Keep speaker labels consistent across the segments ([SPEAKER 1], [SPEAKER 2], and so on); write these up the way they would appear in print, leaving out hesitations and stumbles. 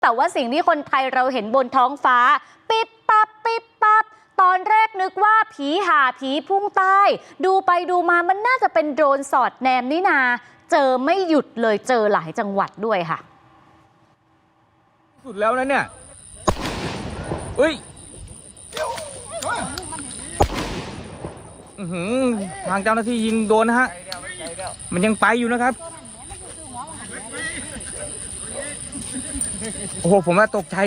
[SPEAKER 1] แต่ว่าสิ่งที่คนไทยเราเห็นบนท้องฟ้าปิ๊บปั๊บปิ๊บปั๊บตอนแรกนึกว่าผีห่าผีพุ่งใต้ดูไปดูมามันน่าจะเป็นโดรนสอดแนมนี่นาเจอไม่หยุดเลยเจอหลายจังหวัดด้วยค่ะ
[SPEAKER 2] สุดแล้วนะเนี่ยเฮ้ยทางเจ้าหน้าที่ยิงโดนนะฮะมันยังไปอยู่นะครับโอ้โหผมว่าตกใจ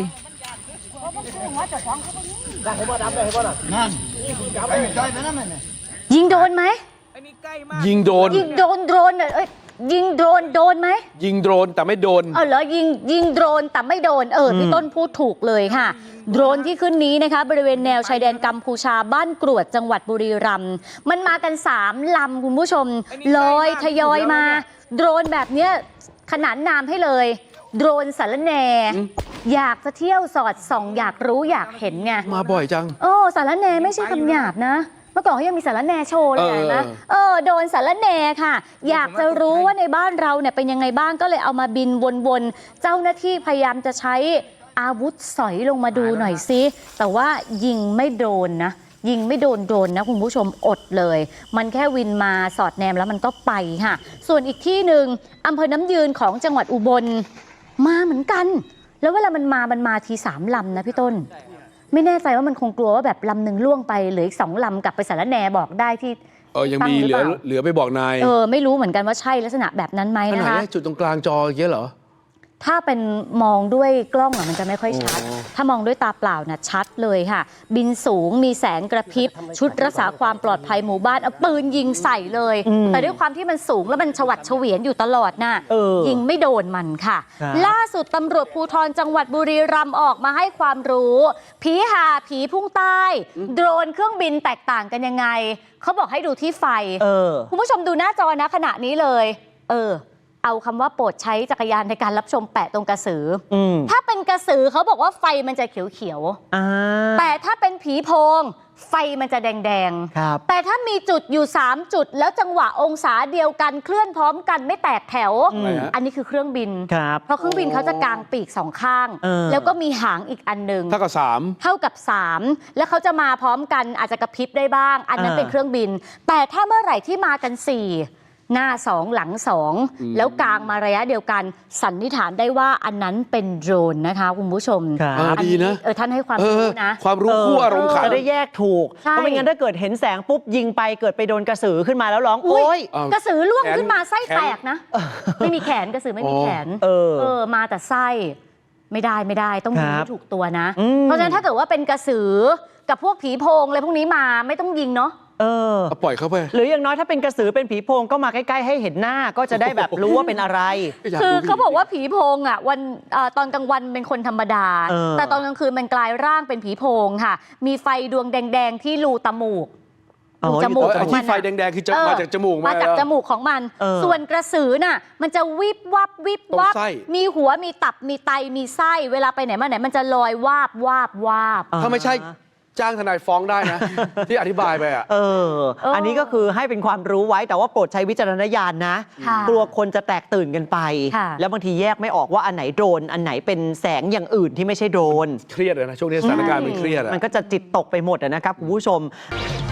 [SPEAKER 1] ยิงโดนไหม
[SPEAKER 3] ยิงโดน
[SPEAKER 1] โดรนยิงโดนไหม
[SPEAKER 3] ยิงโดรนแต่ไม่โดน
[SPEAKER 1] เหรอยิงโดรนแต่ไม่โดนพี่ต้นพูดถูกเลยค่ะโดรนที่ขึ้นนี้นะคะบริเวณแนวชายแดนกัมพูชาบ้านกรวดจังหวัดบุรีรัมย์มันมากัน3 ลำคุณผู้ชมลอยทยอยมาโดรนแบบนี้ขนานนามให้เลยโดรนสารแหน่อยากจะเที่ยวสอดส่องอยากรู้อยากเห็นไง
[SPEAKER 3] มาบ่อยจัง
[SPEAKER 1] สารแหน่ไม่ใช่คำหยาบนะเมื่อก่อนเขายังมีสารแหน่โชว์เลยนะโดนสารแหน่ค่ะอยากจะรู้ว่าในบ้านเราเนี่ยเป็นยังไงบ้างก็เลยเอามาบินวนๆเจ้าหน้าที่พยายามจะใช้อาวุธสอยลงมาดูหน่อยซิแต่ว่ายิงไม่โดนนะยิงไม่โดนนะคุณผู้ชมอดเลยมันแค่วินมาสอดแนมแล้วมันก็ไปค่ะส่วนอีกที่หนึ่งอำเภอน้ำยืนของจังหวัดอุบลมาเหมือนกันแล้วเวลามันมาที3 ลำนะพี่ต้นไม่แน่ใจว่ามันคงกลัวว่าแบบลำหนึ่งล่วงไปเหลืออีก2 ลำกลับไปสารแหน่บอกได้ที่
[SPEAKER 3] ยังมีเหลือไปบอกนาย
[SPEAKER 1] ไม่รู้เหมือนกันว่าใช่ลักษณะแบบนั้นไหมนะคะ
[SPEAKER 3] จุดตรงกลางจอเยอะเหรอ
[SPEAKER 1] ถ้าเป็นมองด้วยกล้องมันจะไม่ค่อยชัดถ้ามองด้วยตาเปล่านะชัดเลยค่ะบินสูงมีแสงกระพริบชุดรักษาความปลอดภัยหมู่บ้านเอาปืนยิงใส่เลยแต่ด้วยความที่มันสูงแล้วมันฉวัดเฉวียนอยู่ตลอดน่ะยิงไม่โดนมันค่ะล่าสุดตำรวจภูธรจังหวัดบุรีรัมย์ออกมาให้ความรู้ผีห่าผีพุ่งใต้โดรนเครื่องบินแตกต่างกันยังไงเขาบอกให้ดูที่ไฟคุณผู้ชมดูหน้าจอนะขณะนี้เลยเอาคำว่าโปรดใช้จักรยานในการรับชมแปะตรงกระสือถ้าเป็นกระสือเขาบอกว่าไฟมันจะเขียวๆแต่ถ้าเป็นผีโพงไฟมันจะแดงๆแต่ถ้ามีจุดอยู่3 จุดแล้วจังหวะองศาเดียวกันเคลื่อนพร้อมกันไม่แตกแถวอันนี้คือเครื่องบินเพราะเครื่องบินเขาจะกางปีก2 ข้างแล้วก็มีหางอีกอันหนึ่ง
[SPEAKER 3] เท่ากับ3
[SPEAKER 1] แล้วเขาจะมาพร้อมกันอาจจะกระพริบได้บ้างอันนั้นเป็นเครื่องบินแต่ถ้าเมื่อไหร่ที่มากัน4หน้า2หลัง2แล้วกลางมาระยะเดียวกันสันนิษฐานได้ว่าอันนั้นเป็นโดรนนะคะคุณผู้ชม
[SPEAKER 3] ดีนะ
[SPEAKER 1] ท่านให้ความรู้นะ
[SPEAKER 3] ความรู้คู่อารมณ์ขัน
[SPEAKER 4] จะได้แยกถูกเพราะไม่งั้นถ้าเกิดเห็นแสงปุ๊บยิงไปเกิดไปโดนกระสือขึ้นมาแล้วร้องโอ๊ย
[SPEAKER 1] กระสือล่วงขึ้นมาไส้แตกนะไม่มีแขนกระสือไม่มีแขนมาแต่ไส้ไม่ได้ต้องยิงให้ถูกตัวนะเพราะฉะนั้นถ้าเกิดว่าเป็นกระสือกับพวกผีโพงอะไรพวกนี้มาไม่ต้องยิงเนาะ
[SPEAKER 3] ปล่อยเขาไป
[SPEAKER 4] หรืออย่างน้อยถ้าเป็นกระสือเป็นผีโพงก็มาใกล้ๆให้เห็นหน้าก็จะได้แบบรู้ว่าเป็นอะไร
[SPEAKER 1] คือเขาบอกว่าผีโพงวันตอนกลางวันเป็นคนธรรมดาแต่ตอนกลางคืนมันกลายร่างเป็นผีโพงค่ะมีไฟดวงแดงๆที่รูจมูก
[SPEAKER 3] ที่ไฟแดงๆคือมาจากจมูก
[SPEAKER 1] มาจากจมูกของมันส่วนกระสือน่ะมันจะวิบวับมีหัวมีตับมีไตมีไส้เวลาไปไหนมาไหนมันจะลอยวาบ
[SPEAKER 3] ถ้าไม่ใช่จ้างทนายฟ้องได้นะ ที่อธิบายไป
[SPEAKER 4] อันนี้ก็คือให้เป็นความรู้ไว้แต่ว่าโปรดใช้วิจารณญาณนะกลัวคนจะแตกตื่นกันไปแล้วบางทีแยกไม่ออกว่าอันไหนโดรนอันไหนเป็นแสงอย่างอื่นที่ไม่ใช่โดรน
[SPEAKER 3] เครียดเลยนะช่วงนี้สถานการณ์มันเครียด
[SPEAKER 4] มันก็จะจิตตกไปหมดนะครับคุณผู้ชม